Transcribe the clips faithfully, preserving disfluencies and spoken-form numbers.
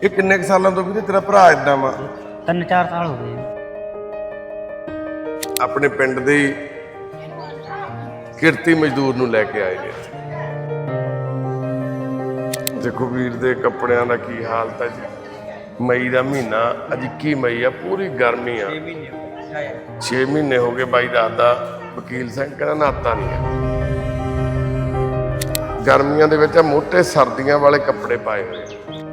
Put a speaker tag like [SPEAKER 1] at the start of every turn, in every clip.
[SPEAKER 1] ਇਹ ਕਿੰਨੇ ਕੁ ਸਾਲਾਂ ਤੋਂ ਵੀਰੇ ਤੇਰਾ ਭਰਾ ਇਦਾਂ ਵਾ?
[SPEAKER 2] ਤਿੰਨ ਚਾਰ ਸਾਲ ਹੋ ਗਏ।
[SPEAKER 1] ਆਪਣੇ ਪਿੰਡ ਦੇ ਕਿਰਤੀ ਮਜ਼ਦੂਰ ਨੂੰ ਲੈ ਕੇ ਆਏ ਨੇ। ਦੇਖੋ ਵੀਰ ਦੇ ਕੱਪੜਿਆਂ ਦਾ ਕੀ ਹਾਲਤ ਹੈ ਜੀ। ਮਈ ਦਾ ਮਹੀਨਾ, ਅੱਜ ਇੱਕੀ ਮਈ ਆ, ਪੂਰੀ ਗਰਮੀ ਆ। ਛੇ ਮਹੀਨੇ ਹੋ ਗਏ ਬਾਈ ਦੱਸਦਾ। ਵਕੀਲ ਸਿੰਘ ਕਹਿੰਦਾ ਨਹਾਤਾ ਨਹੀਂ ਹੈ। ਗਰਮੀਆਂ ਦੇ ਵਿੱਚ ਮੋਟੇ ਸਰਦੀਆਂ ਵਾਲੇ ਕੱਪੜੇ ਪਾਏ ਹੋਏ।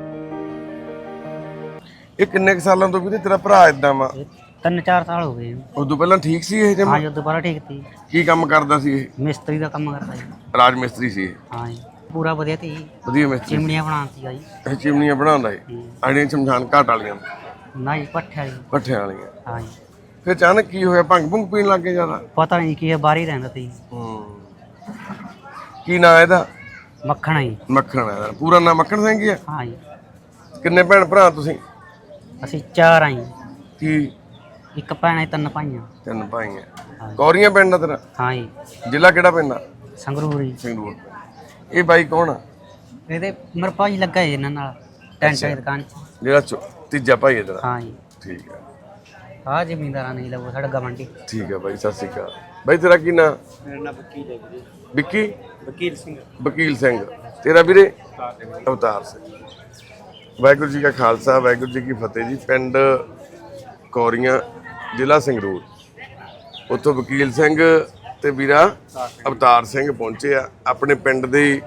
[SPEAKER 1] ਇਹ ਕਿੰਨੇ ਕੁ ਸਾਲਾਂ ਤੋਂ ਵੀਰੇ ਤੇਰਾ ਭਰਾ ਇਦਾਂ ਵਾ?
[SPEAKER 2] ਤਿੰਨ ਚਾਰ ਸਾਲ ਹੋ ਗਏ।
[SPEAKER 1] ਉਦੋਂ ਪਹਿਲਾਂ ਠੀਕ ਸੀ ਇਹ?
[SPEAKER 2] ਹਾਂ ਜੀ, ਉਦੋਂ ਪਹਿਲਾਂ ਠੀਕ ਸੀ।
[SPEAKER 1] ਕੀ ਕੰਮ ਕਰਦਾ ਸੀ ਇਹ?
[SPEAKER 2] ਮਿਸਤਰੀ ਦਾ ਕੰਮ ਕਰਦਾ ਜੀ।
[SPEAKER 1] ਰਾਜ ਮਿਸਤਰੀ ਸੀ ਇਹ?
[SPEAKER 2] ਹਾਂ ਜੀ, ਪੂਰਾ ਵਧੀਆ ਸੀ।
[SPEAKER 1] ਵਧੀਆ ਮਿਸਤਰੀ।
[SPEAKER 2] ਚਿਮਨੀਆਂ ਬਣਾਉਂਦੀ ਜੀ।
[SPEAKER 1] ਇਹ ਚਿਮਨੀਆਂ ਬਣਾਉਂਦਾ ਸੀ? ਆੜੀਆਂ ਸ਼ਮਸ਼ਾਨ ਘਾਟ ਵਾਲੀਆਂ?
[SPEAKER 2] ਨਾ ਜੀ, ਪੱਠੇ ਵਾਲੀ।
[SPEAKER 1] ਪੱਠਿਆਂ ਵਾਲੀਆਂ।
[SPEAKER 2] ਹਾਂ ਜੀ।
[SPEAKER 1] ਫਿਰ ਅਚਾਨਕ ਕੀ ਹੋਇਆ? ਭੰਗ ਭੁੰਗ ਪੀਣ ਲੱਗ ਗਏ ਜ਼ਿਆਦਾ?
[SPEAKER 2] ਪਤਾ ਨਹੀਂ ਕੀ, ਬਾਹਰ ਹੀ ਰਹਿੰਦਾ ਸੀ।
[SPEAKER 1] ਹੂੰ। ਕੀ ਨਾਂ ਇਹਦਾ?
[SPEAKER 2] ਮੱਖਣ ਜੀ।
[SPEAKER 1] ਮੱਖਣ ਹੈ ਇਹਦਾ ਪੂਰਾ ਨਾਂ? ਮੱਖਣ ਸਿੰਘ ਹੀ ਆ?
[SPEAKER 2] ਹਾਂ ਜੀ।
[SPEAKER 1] ਕਿੰਨੇ ਭੈਣ ਭਰਾ ਤੁਸੀਂ?
[SPEAKER 2] ਅਸੀਂ ਚਾਰ ਆਂ ਜੀ।
[SPEAKER 1] ਕੀ?
[SPEAKER 2] ਇੱਕ ਭੈਣ ਹੈ, ਤਿੰਨ ਭਾਈਆਂ।
[SPEAKER 1] ਤਿੰਨ ਭਾਈ ਆ। ਕੌਰੀਆਂ ਪਿੰਡ ਦਾ ਤੇਰਾ?
[SPEAKER 2] ਹਾਂ ਜੀ।
[SPEAKER 1] ਜ਼ਿਲ੍ਹਾ ਕਿਹੜਾ ਪੈਂਦਾ?
[SPEAKER 2] ਸੰਗਰੂਰ ਜੀ।
[SPEAKER 1] ਸੰਗਰੂਰ। ਇਹ ਬਾਈ ਕੌਣ ਆ?
[SPEAKER 2] ਇਹਦੇ ਮੇਰਾ ਭਾਈ ਲੱਗਾ ਜੀ ਇਹਨਾਂ ਨਾਲ ਟੈਂਟ ਦੀ ਦੁਕਾਨ 'ਚ।
[SPEAKER 1] ਜਿਹੜਾ ਚੌ- ਤੀਜਾ ਭਾਈ ਹੈ ਤੇਰਾ?
[SPEAKER 2] ਹਾਂ ਜੀ।
[SPEAKER 1] ਠੀਕ ਹੈ।
[SPEAKER 2] ਆਹ ਜ਼ਿਮੀਂਦਾਰਾਂ ਨੇ ਲਵੋ ਸਾਡਾ ਗਵੰਡੀ।
[SPEAKER 1] ਠੀਕ ਹੈ ਬਾਈ, ਸਤਿ ਸ਼੍ਰੀ ਅਕਾਲ। ਬਾਈ ਤੇਰਾ ਕੀ ਨਾਂ?
[SPEAKER 2] ਮੇਰਾ ਨਾਮ ਵਕੀਲ ਹੈ ਵੀਰੇ।
[SPEAKER 1] ਵਿੱਕੀ?
[SPEAKER 2] ਵਕੀਲ ਸਿੰਘ।
[SPEAKER 1] ਵਕੀਲ ਸਿੰਘ। ਤੇਰਾ ਵੀਰੇ? ਅਵਤਾਰ ਸਿੰਘ। ਵਾਹਿਗੁਰੂ ਜੀ ਕਾ ਖਾਲਸਾ, ਵਾਹਿਗੁਰੂ ਜੀ ਕੀ ਫਤਿਹ ਜੀ। ਪਿੰਡ ਕੌਰੀਆਂ, ਜ਼ਿਲ੍ਹਾ ਸੰਗਰੂਰ। ਉੱਥੋਂ ਵਕੀਲ ਸਿੰਘ ਤੇ ਵੀਰਾ ਅਵਤਾਰ ਸਿੰਘ ਪਹੁੰਚੇ ਆ। ਆਪਣੇ ਪਿੰਡ ਦੇ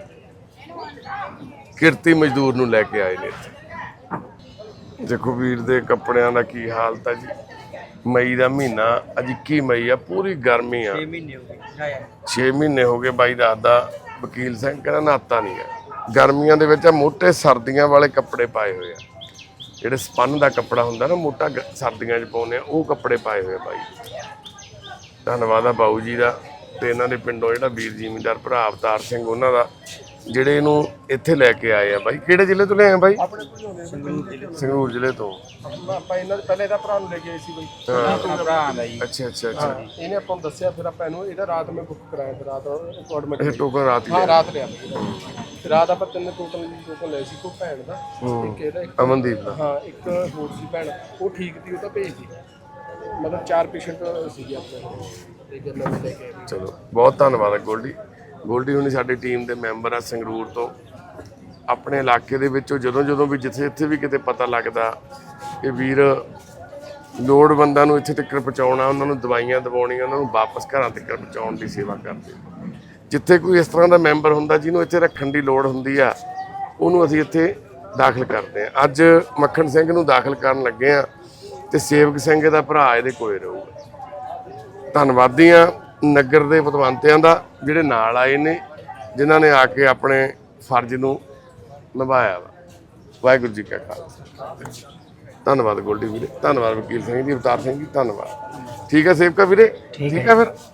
[SPEAKER 1] ਕਿਰਤੀ ਮਜ਼ਦੂਰ ਨੂੰ ਲੈ ਕੇ ਆਏ ਨੇ ਇੱਥੇ। ਦੇਖੋ ਵੀਰ ਦੇ ਕੱਪੜਿਆਂ ਦਾ ਕੀ ਹਾਲਤ ਹੈ ਜੀ। ਮਈ ਦਾ ਮਹੀਨਾ, ਅੱਜ ਇੱਕੀ ਮਈ ਆ, ਪੂਰੀ ਗਰਮੀ ਆ।
[SPEAKER 2] ਛੇ ਮਹੀਨੇ ਹੋ ਗਏ।
[SPEAKER 1] ਛੇ ਮਹੀਨੇ ਹੋ ਗਏ ਬਾਈ ਦੱਸਦਾ। ਵਕੀਲ ਸਿੰਘ ਕਹਿੰਦਾ ਨਹਾਤਾ ਨਹੀਂ ਹੈ। ਗਰਮੀਆਂ ਦੇ ਵਿੱਚ ਮੋਟੇ ਸਰਦੀਆਂ ਵਾਲੇ ਕੱਪੜੇ ਪਾਏ ਹੋਏ ਆ। ਜਿਹੜੇ ਸਪੰਨ ਦਾ ਕੱਪੜਾ ਹੁੰਦਾ ਨਾ, ਮੋਟਾ ਸਰਦੀਆਂ 'ਚ ਪਾਉਂਦੇ ਆ, ਉਹ ਕੱਪੜੇ ਪਾਏ ਹੋਏ ਆ ਬਾਈ। ਧੰਨਵਾਦ ਆ ਬਾਊ ਜੀ ਦਾ ਤੇ ਇਹਨਾਂ ਦੇ ਪਿੰਡੋਂ ਜਿਹੜਾ ਵੀਰ ਜ਼ਿਮੀਂਦਾਰ ਭਰਾ ਅਵਤਾਰ ਸਿੰਘ, ਉਹਨਾਂ ਦਾ, ਜਿਹੜੇ ਇਹਨੂੰ ਇੱਥੇ ਲੈ ਕੇ ਆਏ ਆ। ਬਾਈ ਕਿਹੜੇ ਜ਼ਿਲ੍ਹੇ ਤੋਂ ਲਿਆਏ ਆ ਬਾਈ?
[SPEAKER 3] ਆਪਣੇ ਕੋਲ ਹੁੰਦੇ
[SPEAKER 1] ਸੰਗਰੂਰ ਜ਼ਿਲ੍ਹੇ ਤੋਂ।
[SPEAKER 3] ਆਪਾਂ ਇਹਨਾਂ ਦੇ ਪਹਿਲੇ ਇਹਦਾ ਭਰਾ ਨੂੰ ਲੈ ਕੇ ਆਏ ਸੀ ਬਈ।
[SPEAKER 2] ਭਰਾ ਆਂਦਾ ਜੀ।
[SPEAKER 1] ਅੱਛਾ ਅੱਛਾ ਅੱਛਾ।
[SPEAKER 3] ਇਹਨੇ ਆਪਾਂ ਨੂੰ ਦੱਸਿਆ, ਫਿਰ ਆਪਾਂ ਇਹਨੂੰ ਇਹਦਾ ਰਾਤ ਮੈਂ ਬੁੱਕ ਕਰਾਇਆ, ਫਿਰ ਰਾਤ ਅਪਾਇੰਟਮੈਂਟ।
[SPEAKER 1] ਇਹ ਟੋਕਨ ਰਾਤ ਹੀ
[SPEAKER 3] ਹਾਂ,
[SPEAKER 1] ਲਿਆ?
[SPEAKER 3] ਰਾਤ ਲਿਆ ਫਿਰ ਰਾਤ ਆਪਾਂ ਤਿੰਨ ਟੋਟਲ ਟੋਕਨ ਲਏ ਸੀ। ਕੋਈ ਭੈਣ ਦਾ, ਇੱਕ ਇਹਦਾ, ਇੱਕ
[SPEAKER 1] ਅਮਨਦੀਪ ਦਾ।
[SPEAKER 3] ਹਾਂ, ਇੱਕ ਹੋਰ ਸੀ ਭੈਣ, ਉਹ ਠੀਕ ਸੀ, ਉਹ ਤਾਂ ਭੇਜਦੀ। ਮਤਲਬ ਚਾਰ ਪੇਸ਼ੈਂਟ ਸੀਗੇ ਆਪਣੇ ਤੇ ਗੱਲਾਂ ਲੈ ਕੇ ਆਏ।
[SPEAKER 1] ਚਲੋ ਬਹੁਤ ਧੰਨਵਾਦ ਹੈ ਗੋਲਡੀ। ਗੋਲਡੀ ਹੁਣੀ ਸਾਡੀ ਟੀਮ ਦੇ ਮੈਂਬਰ ਆ ਸੰਗਰੂਰ ਤੋਂ। ਆਪਣੇ ਇਲਾਕੇ ਦੇ ਵਿੱਚੋਂ ਜਦੋਂ ਜਦੋਂ ਵੀ ਜਿੱਥੇ ਇੱਥੇ ਵੀ ਕਿਤੇ ਪਤਾ ਲੱਗਦਾ, ਇਹ ਵੀਰ ਲੋੜਵੰਦਾਂ ਨੂੰ ਇੱਥੇ ਤੱਕ ਪਹੁੰਚਾਉਣਾ, ਉਹਨਾਂ ਨੂੰ ਦਵਾਈਆਂ ਦਿਵਾਉਣੀਆਂ, ਉਹਨਾਂ ਨੂੰ ਵਾਪਸ ਘਰਾਂ ਤੱਕ ਪਹੁੰਚਾਉਣ ਦੀ ਸੇਵਾ ਕਰਦੇ। ਜਿੱਥੇ ਕੋਈ ਇਸ ਤਰ੍ਹਾਂ ਦਾ ਮੈਂਬਰ ਹੁੰਦਾ ਜਿਹਨੂੰ ਇੱਥੇ ਰੱਖਣ ਦੀ ਲੋੜ ਹੁੰਦੀ ਆ, ਉਹਨੂੰ ਅਸੀਂ ਇੱਥੇ ਦਾਖਲ ਕਰਦੇ ਹਾਂ। ਅੱਜ ਮੱਖਣ ਸਿੰਘ ਨੂੰ ਦਾਖਲ ਕਰਨ ਲੱਗੇ ਆ ਤੇ ਸੇਵਕ ਸਿੰਘ ਦਾ ਭਰਾ ਇਹਦੇ ਕੋਲੇ ਰਹੂਗਾ। ਧੰਨਵਾਦੀ ਆ ਨਗਰ ਦੇ ਪਤਵੰਤਿਆਂ ਦਾ, ਜਿਹੜੇ ਨਾਲ ਆਏ ਨੇ, ਜਿਨ੍ਹਾਂ ਨੇ ਆ ਕੇ ਆਪਣੇ ਫਰਜ਼ ਨੂੰ ਨਿਭਾਇਆ ਵਾ। ਵਾਹਿਗੁਰੂ ਜੀ ਕਾ ਖਾਲਸਾ। ਧੰਨਵਾਦ ਗੋਲਡੀ ਵੀਰੇ, ਧੰਨਵਾਦ ਵਕੀਲ ਸਿੰਘ ਜੀ, ਅਵਤਾਰ ਸਿੰਘ ਜੀ, ਧੰਨਵਾਦ। ਠੀਕ ਹੈ ਸੇਵਕਾ ਵੀਰੇ? ਠੀਕ ਹੈ ਫਿਰ।